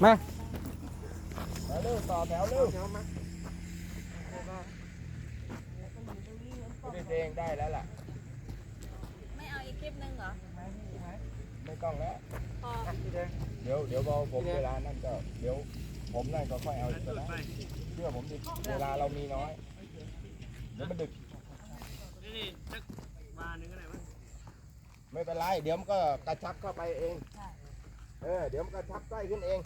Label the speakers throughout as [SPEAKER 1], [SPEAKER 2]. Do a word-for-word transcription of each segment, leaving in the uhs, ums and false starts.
[SPEAKER 1] มา
[SPEAKER 2] เร็วต่อแถวเร็วพี่เองได้แล้วล่ะ
[SPEAKER 3] ไม่เอาอีกคลิปนึงเหรอ
[SPEAKER 2] ไม่ต้องแล้ว
[SPEAKER 3] พอ
[SPEAKER 2] เดี๋ยวเดี๋ยวพอผมเวลานั่นก็เดี๋ยวผมนั่นก็ค่อยเอาอีกก็ได้เชื่อผมดิเวลาเรามีน้อยเดี๋ยวมันดึก
[SPEAKER 4] นี่สักมาหนึ่งก็ได้มั้ง
[SPEAKER 2] ไม่เป็นไรเดี๋ยวมันก็กระชับเข้าไปเองเออเดี๋ยวมันกระชับใกล้ขึ้นเอง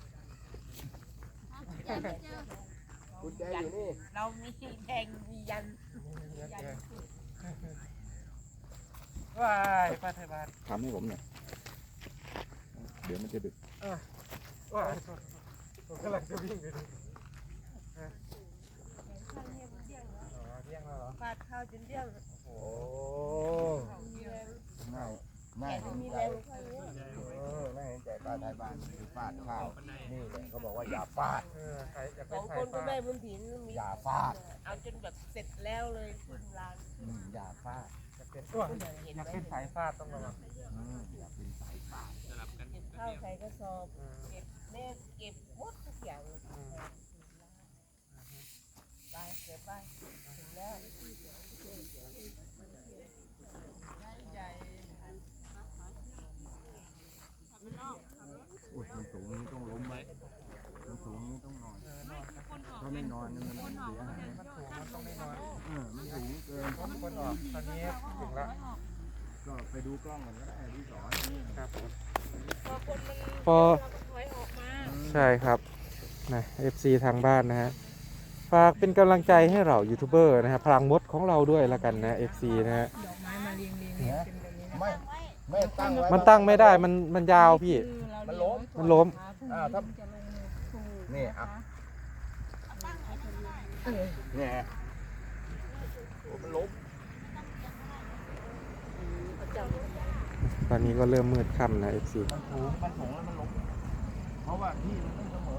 [SPEAKER 2] กุญแจอยู่นี่
[SPEAKER 3] เรามีแดงมียัน
[SPEAKER 4] ว้ายป้าไทยบ้าน
[SPEAKER 2] ทำให้ผมหน่อยเดี๋ยวมันจะดึก
[SPEAKER 4] ว้ายผมกำลังจะวิ่งไปดู
[SPEAKER 3] ฟาดข้าวจนเดี่ยว
[SPEAKER 2] โอ้ง่ายง่ายเห็นใจเออง่ายเห็นใจป้าไทยบ้านคือฟาดข้าวนี่แหละเขาบอกว่าอย่าฟาด
[SPEAKER 3] สองคนก็แม่บุญถิ่นมี
[SPEAKER 2] อย่าฟาด
[SPEAKER 3] เอาจนแบบเสร็จแล้วเลยขึ้นลาน
[SPEAKER 2] อย่าฟาด
[SPEAKER 4] จะเป็นตัวอยากเป็นสายฟาดต้องระวัง
[SPEAKER 2] อย่าเป็นสายฟาด
[SPEAKER 3] เก็บข้าวใส่กระสอบเก็บเนสเก็บหมดทุกอย่างไปเก็บไปถึงแล้ว
[SPEAKER 2] อุ้ยมันสูงนี่ต้องล้มไว้มันสูงนี่ต้องนอนถ้าไม่นอนมันเสียหาย
[SPEAKER 4] มันสูงมันต้องไม่นอน
[SPEAKER 2] เออมันสูงเกิน
[SPEAKER 4] คนออกตอนนี้ถึงแล้ว
[SPEAKER 2] ก็ไปดูกล้องก่อนก็ได้ที่สอน
[SPEAKER 4] ครับผม
[SPEAKER 1] พอใช่ครับนะ เอฟ ซี ทางบ้านนะฮะฝากเป็นกำลังใจให้เรายูทูบเบอร์นะฮะพลังมดของเราด้วยละกันนะ เอฟ ซี นะฮะ
[SPEAKER 2] ไม่ไม่ตั้งไว้
[SPEAKER 1] มันตั้งไม่ได้มันมันยาวพี่
[SPEAKER 2] มันล้ม
[SPEAKER 1] มันล้ม
[SPEAKER 2] อ่าถ้านี่อ่ะเนี่ยโอ้มันล้ม
[SPEAKER 1] ตอนนี้ก็เริ่มมืดค่ำนะ เอฟ ซี
[SPEAKER 2] มันสูงมันสูงแล้วมันล้มเพราะว่าที่มันไม่เสมอ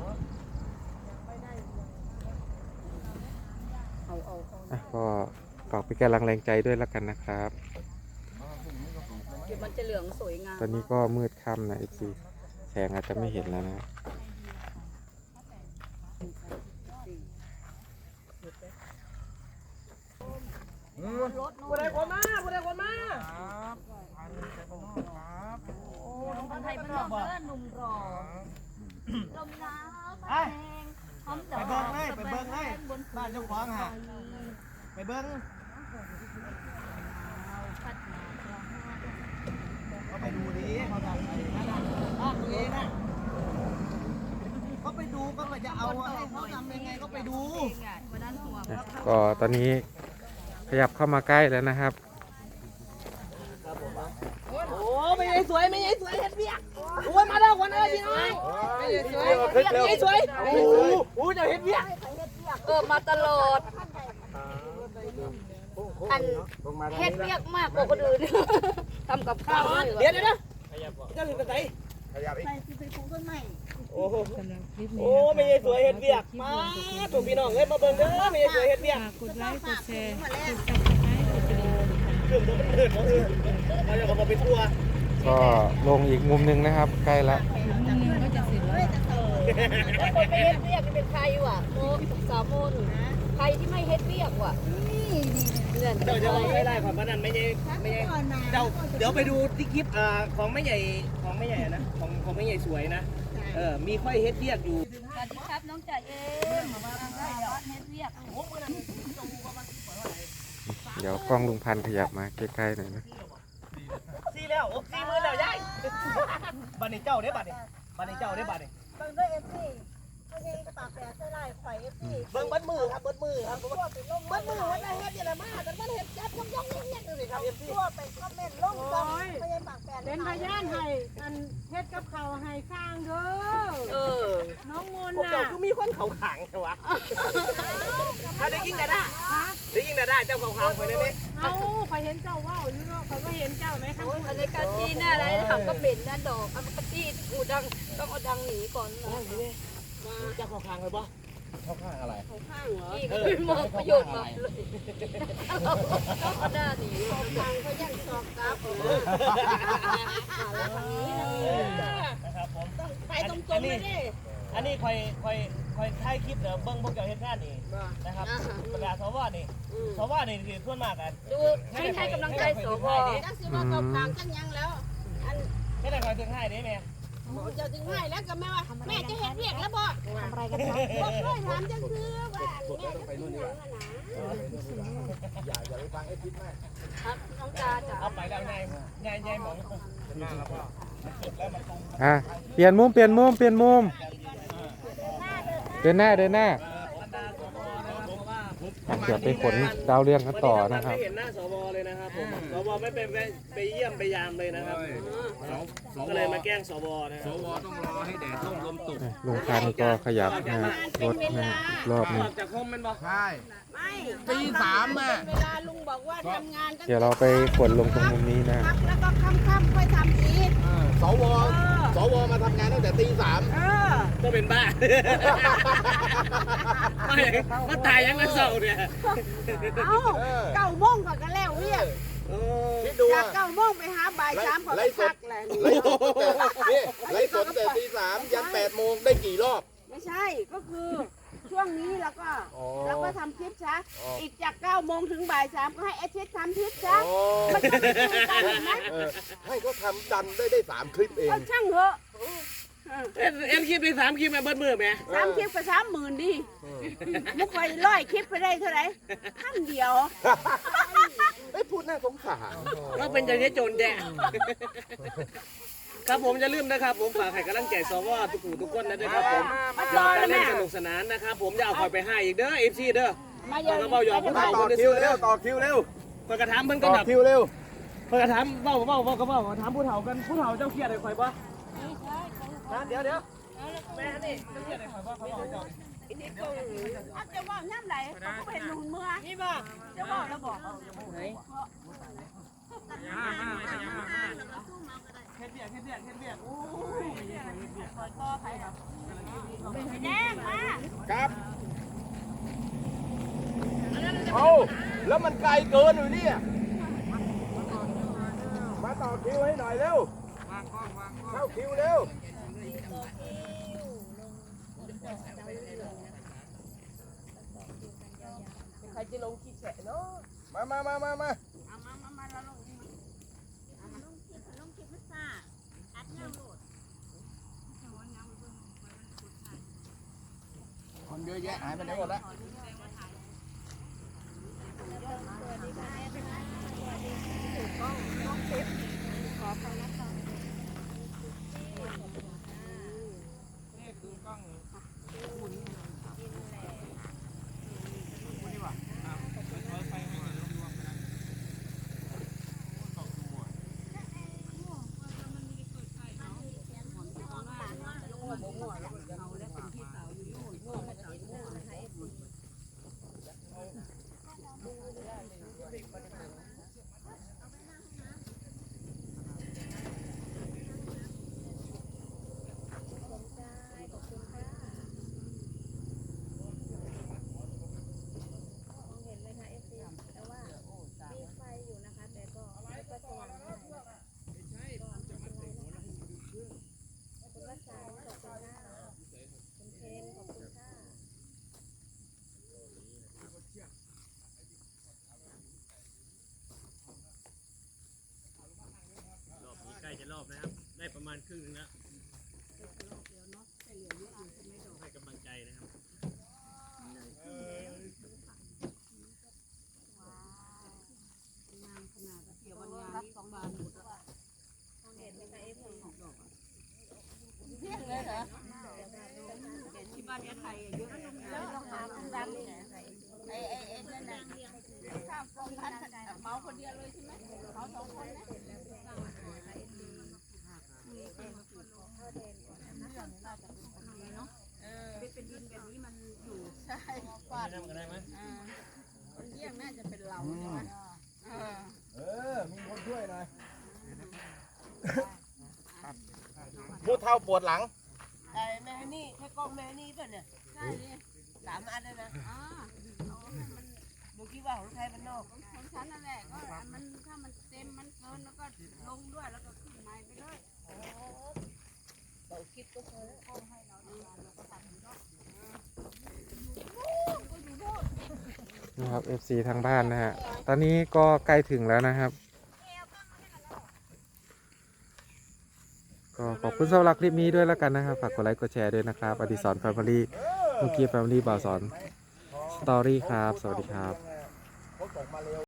[SPEAKER 1] อ่ะก็ฝากเป็นกำลังแรงใจด้วยละกันนะครับ
[SPEAKER 3] เดี๋ยวมันจะเหลืองสวยงาม
[SPEAKER 1] ตอนนี้ก็มืดค่ำนะ เอฟ ซี แสงอาจจะไม่เห็นแล้วนะ
[SPEAKER 3] ผู้ใดคนมาผู้ใดคนมา
[SPEAKER 4] ครับครับ
[SPEAKER 3] โอ้หนุ่มคนไทยเป็นหนุ่มเพื่อนหนุ่มรอลมหนาวตะแคงหอมดอก
[SPEAKER 4] ไปเบิ้งเลยไปเบิ้งเลยบ้านเจ้าของฮะไปเบิ้งเขาไปดูดิเขาทำอะไรบ้านตัวเองนะเขาไปดูก็จะเอาให้เขาทำยังไงก็ไปดู
[SPEAKER 1] ก็ตอนนี้ขยับเข้ามาใกล้แล้วนะครับ
[SPEAKER 3] โอ้ไม่ใช่สวยไม่ใช่สวยเฮ็ดเบี้ยโอ้ยมาแล้วคนเอ้ยพี่น้องไม่ใช่สวยไม่ใช่สวยโอ้โหจะเฮ็ดเบี้ยเออมาตลอดอันเฮ็ดเบี้ยมากกว่าคนอื่นทำกับข้าวเดี๋ยวเดี๋ยวเดี๋ยวจะถึงไหน
[SPEAKER 2] ขยับอีก
[SPEAKER 3] ไปปลูกต้นไม้
[SPEAKER 4] โอ้โหโอ้ไม่ใช่สวยเฮ็ดเบี้ยมาถูกพี่น้องเอ้ยมาเบิ่งเด้อไม่ใช่สวยเฮ็ดเบี้ย
[SPEAKER 5] กดไลค์กดแชร์กดซับสไครต์กดกระดิ่ง
[SPEAKER 4] เครื่องมันเถิดมาเออมาจะเอาไปทั่ว
[SPEAKER 1] ก็ลงอีกมุมนึงนะครับใกล้ละ
[SPEAKER 5] มุมนึงก็จะเสร็จแล้ว
[SPEAKER 3] แล้วคนไม่เฮ็ดเบี้ยเป็นใครวะโมสามโมนใครที่ไม่เฮ็ดเบี้ยว่ะ
[SPEAKER 4] เดี๋ยวจะไม่ได้ความนั้นไม่ใช่ไม่ใช่เดี๋ยวเดี๋ยวไปดูที่คลิปอ่าของไม่ใหญ่ของไม่ใหญ่นะของของไม่ใหญ่สวยนะเออมีค่อยเฮ็ดเรียกอยู่
[SPEAKER 3] สวัสดีครับน้องจ่าเองมาเฮ็ดเรียก
[SPEAKER 1] เดี๋ยวกล้องลุงพันธุ์ขยับมาใกล้ๆหน่อยนะ
[SPEAKER 4] ซีแล้วซีมือแล้วยายบันนี้เจ้าได้บันนี้บันนี้เจ้าได้บันนี้
[SPEAKER 3] เบิ่งด้วยเอฟซีไม่ใช่ปากแปะใส่ลายข่อยเอฟซี
[SPEAKER 4] เบิ่งบัดมือครับบัดมือครับ
[SPEAKER 3] บัดมือว่าจะเฮ็ดยังไงมาแต่มันเฮ็ดจับย่องย่องเงี้ยๆเลยครับเอฟซีทั่วไปคอมเมนต์ลงจอไม่ใช่ปากแปะ
[SPEAKER 5] เป็นพยานให้อันเฮ็ดกับเขาให้สร้างเด้อ
[SPEAKER 3] เออ
[SPEAKER 5] น้องมนต์
[SPEAKER 4] น่ะเจ้าคือมีคนเขาขังใช่วะถ้าได้ยิงได้ได้ยิงได้เจ้าเขาขังไปได้ไหม
[SPEAKER 5] เอาไปเห็นเจ้าว่าอยู่เนาะเขาก็เห็นเจ้าไหมทั้ง
[SPEAKER 3] อันนี้การจีน่าอะไรทำก็เป็นนะดอกอันก็จีอูดังต้องเอาดังหนีก่อนนะ
[SPEAKER 4] เจ้าเขาขังเลยปะ
[SPEAKER 2] เข้าข้างอะไร
[SPEAKER 3] เข้าข้างเหรออีกมองประโยชน์มาเลยเขาด่าหนีเข้าข้างเขายังสอบกับแล้วทางนี้นะครับผมไปตรงๆเลยดิ
[SPEAKER 4] อันนี้คอยคอยคอยถ่ายคลิปเดี๋ยวเบิ้งพวกเจ้าเฮ็ดงานนี่นะครับประกาศสวนี่สวนี่คือส่วนมากกัน
[SPEAKER 5] ดูให้ให้กำลังใจสวจังสิว่าตบทางจังยังแล้วอัน
[SPEAKER 4] ไม่ได้คอยถึงให้เด้แม่
[SPEAKER 5] เจ้าถึงให้แล้วก็แม่ว่าแม่จะเฮ็ดเรียกแล้วบ่ทำอะไรกันครับบ่เคยถามจังคือว่าแม่จะไปนู่นนี่นะ
[SPEAKER 2] อย่าอย่าไปฟังไอ้พิษแม่
[SPEAKER 5] ครับน้องตาจ้ะ
[SPEAKER 4] เอาไปแล้วไงไงไงหมอง
[SPEAKER 1] อ่ะเปลี่ยนมุมเปลี่ยนมุมเปลี่ยนมุมเดินหน้าเดินหน้าอ่ะเดี๋ยวไปขนดาวเรืองกันต่อนะครับ
[SPEAKER 4] ไม่เห็นหน้าสวเลยนะครับผมสวไม่ไปไปเยี่ยมไปยามเลยนะครับก็เลยมาแกล้งสวนะสวต้องรอให้แดดร่มลมตก
[SPEAKER 1] ลุงพันธุ์ก็ขยับนะฮะรถนะฮะรอบนี้
[SPEAKER 4] ออกจากห้องมันบ่
[SPEAKER 2] ใช่
[SPEAKER 5] ไม่
[SPEAKER 2] ตีสามแม่
[SPEAKER 5] เวลาลุงบอกว่าทำงานตั้ง
[SPEAKER 1] เดี๋ยวเราไปขนลงตรงมุมนี้นะ
[SPEAKER 5] พักแล้วก็ค่ำๆค่อยทำอีก
[SPEAKER 2] สวสวมาทำงานตั้งแต่ตีสาม
[SPEAKER 5] เออ
[SPEAKER 4] ก็เป็นบ้าไม่มาตายยังมาเศร้าเนี่ย
[SPEAKER 5] เอ้าเก้าโมงก่อนก็แล้วเรียก
[SPEAKER 2] คิดดู
[SPEAKER 5] จาก
[SPEAKER 2] ว่า
[SPEAKER 5] เก้าโมงไปหาบ่ายสามก่อนไปพักแหละ
[SPEAKER 2] ไลฟ์สดแต่นี่ไลฟ์สดแต่ตีสามยันแปดโมงได้กี่รอบ
[SPEAKER 5] ไม่ใช่ก็คือช่วงนี้แล้วก็
[SPEAKER 2] อ๋อ
[SPEAKER 5] แล้วก็ทำคลิปซะ
[SPEAKER 2] อ๋ออี
[SPEAKER 5] อีกจากเก้าโมงถึงบ่ายสามก็ให้เอชิดทำคลิปซะ
[SPEAKER 2] อ๋อ
[SPEAKER 5] มันจะไม่คุยกันเห็นไหม
[SPEAKER 2] เออให้เขาทำดันได้ได้สามคลิปเอง
[SPEAKER 5] ก็ช่างเหอะ
[SPEAKER 4] เอ็นเอ็นคลิปไปสามคลิปมาเบิ้ลมือไหม
[SPEAKER 5] สามคลิปก็สามหมื่นดิมุกไปร้อยคลิปไปได้เท่าไหร่พันเดียว
[SPEAKER 2] ไอ้ยพูดน่าสงสาร
[SPEAKER 4] เราเป็นอย่างนี้โจรแดงครับผมจะลืมนะครับ ผมฝากให้กำลังใจสวทุกผู้ทุกคนนะด้วยครับผมอยากเล่นสนุกสนานนะครับผมจะเอาคอยไปให้อีกเด้อเอฟซีเด้อ
[SPEAKER 5] มาเย
[SPEAKER 4] ตอ
[SPEAKER 5] อะ
[SPEAKER 4] นกระเป๋าหยอกผู้
[SPEAKER 2] ต่
[SPEAKER 4] เฒ่า
[SPEAKER 2] อ
[SPEAKER 4] คนได้
[SPEAKER 2] คิ
[SPEAKER 4] ซื้
[SPEAKER 2] ว
[SPEAKER 4] อ
[SPEAKER 2] เร็
[SPEAKER 4] เด้
[SPEAKER 2] ว
[SPEAKER 4] อ
[SPEAKER 2] ต่อคิวเร็ว
[SPEAKER 4] เปิดกระถามเพิ่นก็
[SPEAKER 2] ต่อ
[SPEAKER 4] แบบ
[SPEAKER 2] คิวเร็ว
[SPEAKER 4] เปิดกระถามเบ้าเบ้าเบ้ากระเบ้าถามผู้เฒ่ากันผู้เฒ่าเจ้าเครียดอะไรคอยบ่นะเดี๋ยวเดี๋ยวแม่นี่เจ้าเครียดอะไรคอยบ่เขาบอกเจ้า
[SPEAKER 5] ถ้าจะว่าน้ำไหลเขาก็เป็นหนุนเมื่อนี่บ่จะบอกแล้วบอก
[SPEAKER 4] เฮ็ดเบียกเฮ็ดเบียกเฮ็ดเบียกโอ้ย
[SPEAKER 5] แดงมา
[SPEAKER 2] ครับเอาแล้วมันไกลเกินอยู่เนี่ยมาต่อคิวให้หน่อยเร็วเข้าคิวเร็ว
[SPEAKER 3] ใครจะลงขี้แฉะเนาะ
[SPEAKER 2] มามามามามา
[SPEAKER 5] เอามามามาเราลงเอามาลงคลิปลงคลิปมันซ่าอัดเงาโหลด
[SPEAKER 2] คนเยอะแยะหายไปไหนหมดแล้ว
[SPEAKER 4] ใกล้จะรอบนะครับได้ประมาณครึ่งนึงแล้วให้กำลังใจนะครับที่บ้านนี้ไทยเยอะ
[SPEAKER 5] ต้องหาดังไอ้ไอ้ไอ้นั่นน่ะข้าวฟองพันเมาคนเดียวเลยใช่ไหมเมาสองคนนะเป็นดินแบบนี้มันอยู่ใช่ฟาด
[SPEAKER 4] ทำกันได้ไหม
[SPEAKER 5] คนเยี่ยมน่าจะเป็นเราใช่ไหม
[SPEAKER 2] เออมีคนช่วยหน่อยผู้เฒ่าปวดหลัง
[SPEAKER 3] ไอ้แม่นี่แค่กล้องแม่นี่ป่ะเนี่ย
[SPEAKER 5] ใช่เลย
[SPEAKER 3] สามอันเลยนะ
[SPEAKER 5] อ่า
[SPEAKER 3] ดูคิดว่าของไทยมันนอก
[SPEAKER 5] ของฉันนั่นแหละก็มันถ้ามันเต็มมันเกินแล้วก็ลงด้วยแล้วก็ขึ้นใหม่ไปเลย
[SPEAKER 3] เราคิดก็พอแล้ว
[SPEAKER 5] ให้เราดูเราก็ท
[SPEAKER 1] นี่ครับ เอฟ ซี ทางบ้านนะฮะตอนนี้ก็ใกล้ถึงแล้วนะครับก็ขอบคุณสำหรับคลิปนี้ด้วยแล้วกันนะครับฝากกดไลค์กดแชร์ด้วยนะครับอดิศรแฟมิลี่เมื่อกี้แฟมิลี่บ่าวสอนสตอรี่ครับสวัสดีครับ